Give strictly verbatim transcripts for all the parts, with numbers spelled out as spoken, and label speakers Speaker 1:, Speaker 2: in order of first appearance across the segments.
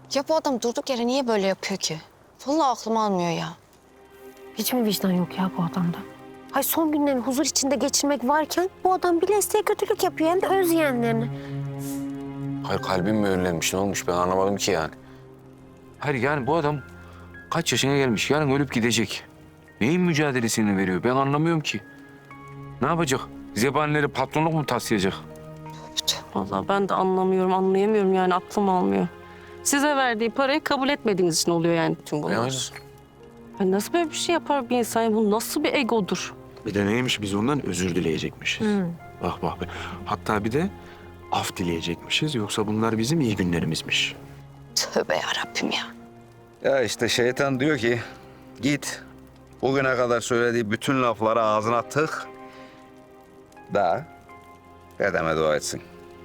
Speaker 1: Ya bu adam durduk yere niye böyle yapıyor ki? Vallahi aklım almıyor ya.
Speaker 2: Hiç mi vicdan yok ya bu adamda? Hay son günlerini huzur içinde geçirmek varken bu adam bile isteye kötülük yapıyor hem de öz yeğenlerine.
Speaker 3: Hayır kalbim mi önlenmiş ne olmuş ben anlamadım ki yani. Hayır yani bu adam kaç yaşına gelmiş yarın ölüp gidecek. Neyin mücadelesini veriyor ben anlamıyorum ki. Ne yapacak? Zebanileri patronluk mu taslayacak?
Speaker 4: Vallahi ben de anlamıyorum, anlayamıyorum yani aklım almıyor. Size verdiği parayı kabul etmediğiniz için oluyor yani bütün bunlar.
Speaker 3: Yani.
Speaker 4: Ay nasıl böyle bir şey yapar bir insan? Bu nasıl bir egodur?
Speaker 5: Bir de neymiş biz ondan özür dileyecekmişiz. Bak bak. Bak. Hatta bir de af dileyecekmişiz. Yoksa bunlar bizim iyi günlerimizmiş.
Speaker 1: Tövbe yarabbim ya.
Speaker 6: Ya işte şeytan diyor ki git bugüne kadar söylediği bütün lafları ağzına tık da dedeme dua etsin.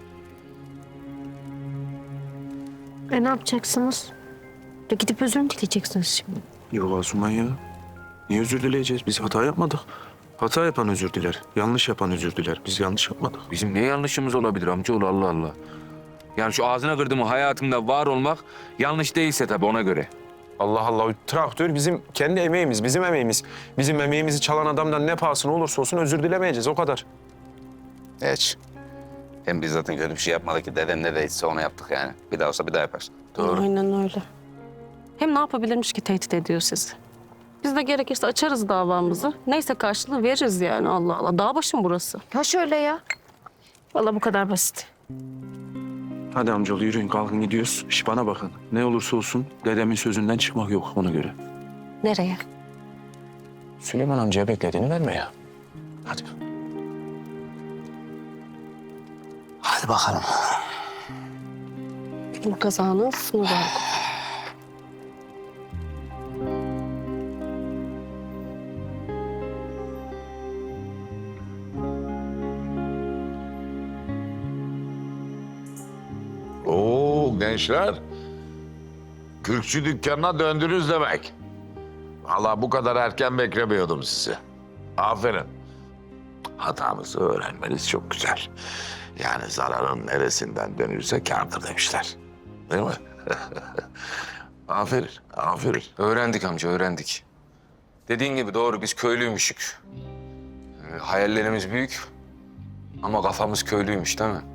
Speaker 2: E ne yapacaksınız? Ya gidip özür mü dileyeceksiniz şimdi?
Speaker 5: Yok Asuman ya. Niye özür dileyeceğiz? Biz hata yapmadık. Hata yapan özür diler. Yanlış yapan özür diler. Biz yanlış yapmadık.
Speaker 3: Bizim ne yanlışımız olabilir amcaoğlu Allah Allah. Yani şu ağzına kırdığımı hayatımda var olmak yanlış değilse tabii ona göre.
Speaker 5: Allah Allah. Traktör bizim kendi emeğimiz, bizim emeğimiz. Bizim emeğimizi çalan adamdan ne pahasına olursa olsun özür dilemeyeceğiz. O kadar.
Speaker 6: Hiç. Hem biz zaten kötü bir şey yapmadık ki deden ne değilse onu yaptık yani. Bir daha olsa bir daha yaparız.
Speaker 3: Doğru.
Speaker 4: Aynen öyle. Hem ne yapabilirmiş ki tehdit ediyor sizi? Biz de gerekirse açarız davamızı. Neyse karşılığı veririz yani Allah Allah. Dağ başım burası.
Speaker 2: Ya şöyle ya. Vallahi bu kadar basit.
Speaker 5: Hadi amcaoğlu yürüyün kalkın gidiyoruz. İş bana bakın. Ne olursa olsun dedemin sözünden çıkmak yok ona göre.
Speaker 2: Nereye?
Speaker 5: Süleyman amcaya beklediğini verme ya. Hadi.
Speaker 6: Hadi bakalım.
Speaker 4: Bu kazanın sınırı.
Speaker 7: Oo gençler. Kürkçü dükkanına döndünüz demek. Vallahi bu kadar erken beklemiyordum sizi. Aferin. Hatamızı öğrenmeniz çok güzel. Yani zararın neresinden dönülse kârdır demişler. Değil mi? Aferin, aferin.
Speaker 3: Öğrendik amca öğrendik. Dediğin gibi doğru biz köylüymüşük. Ee, hayallerimiz büyük ama kafamız köylüymüş değil mi?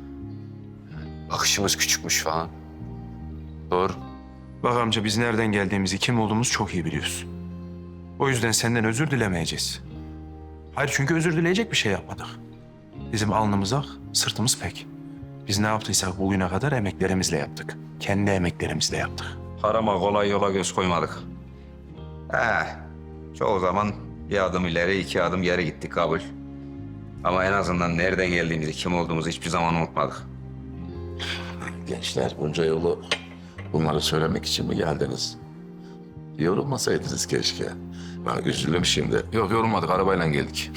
Speaker 3: Bakışımız küçükmüş falan. Doğru.
Speaker 5: Bak amca biz nereden geldiğimizi, kim olduğumuzu çok iyi biliyoruz. O yüzden senden özür dilemeyeceğiz. Hayır çünkü özür dileyecek bir şey yapmadık. Bizim alnımız ak, sırtımız pek. Biz ne yaptıysak bugüne kadar emeklerimizle yaptık. Kendi emeklerimizle yaptık.
Speaker 6: Harama kolay yola göz koymadık. He, çoğu zaman bir adım ileri iki adım geri gittik kabul. Ama en azından nereden geldiğimizi, kim olduğumuzu hiçbir zaman unutmadık.
Speaker 7: Gençler bunca yolu bunları söylemek için mi geldiniz? Yorulmasaydınız keşke. Ben üzüldüm şimdi.
Speaker 3: Yok yorulmadık arabayla geldik.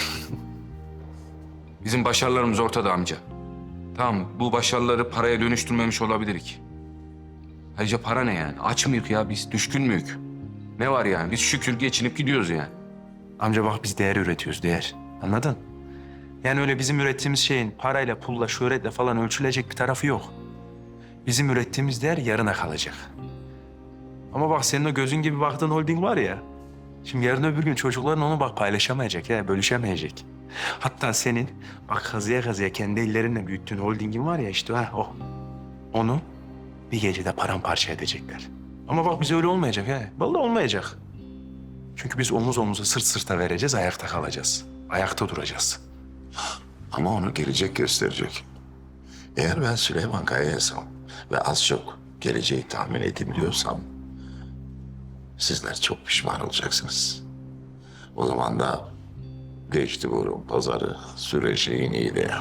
Speaker 3: Bizim başarılarımız ortada amca. Tamam bu başarıları paraya dönüştürmemiş olabilirik. Ayrıca para ne yani? Aç mıyık ya biz? Düşkün müyük? Ne var yani? Biz şükür geçinip gidiyoruz yani.
Speaker 5: Amca bak biz değer üretiyoruz, değer. Anladın? Yani öyle bizim ürettiğimiz şeyin parayla, pulla, şöhretle falan ölçülecek bir tarafı yok. Bizim ürettiğimiz değer yarına kalacak. Ama bak senin o gözün gibi baktığın holding var ya. Şimdi yarın öbür gün çocukların onu bak paylaşamayacak ya, bölüşemeyecek. Hatta senin bak kazıya kazıya kendi ellerinle büyüttüğün holdingin var ya işte ha o. Onu bir gecede paramparça edecekler. Ama bak biz öyle olmayacak ha. Vallahi olmayacak. Çünkü biz omuz omuza sırt sırta vereceğiz, ayakta kalacağız. Ayakta duracağız.
Speaker 7: Ama onu gelecek gösterecek. Eğer ben Süleyman Kaya'ysam ve az çok geleceği tahmin edebiliyorsam sizler çok pişman olacaksınız. O zaman da geçti burun pazarı süreceğin iyiydi.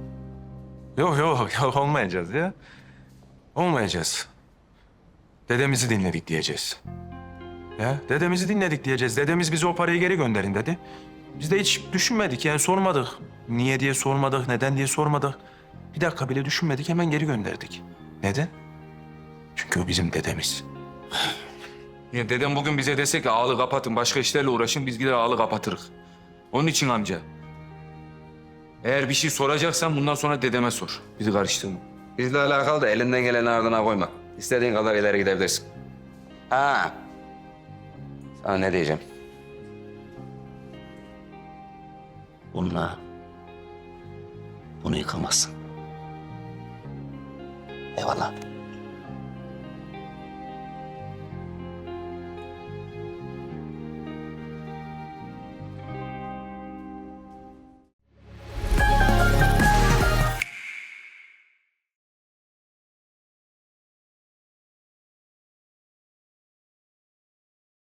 Speaker 5: Yok yok yok olmayacağız ya. Olmayacağız. Dedemizi dinledik diyeceğiz. Ya dedemizi dinledik diyeceğiz. Dedemiz bize o parayı geri gönderin dedi. Biz de hiç düşünmedik yani sormadık. Niye diye sormadık, neden diye sormadık. Bir dakika bile düşünmedik hemen geri gönderdik. Neden? Çünkü o bizim dedemiz.
Speaker 3: Ya dedem bugün bize dese ki ağlı kapatın, başka işlerle uğraşın, biz gider ağlı kapatırız. Onun için amca. Eğer bir şey soracaksan bundan sonra dedeme sor. Bizi karıştırma.
Speaker 6: Bizle alakalı da elinden geleni ardına koyma. İstediğin kadar ileri gidebilirsin. Ha. Sana ne diyeceğim?
Speaker 7: Bununla bunu yıkamazsın. Eyvallah.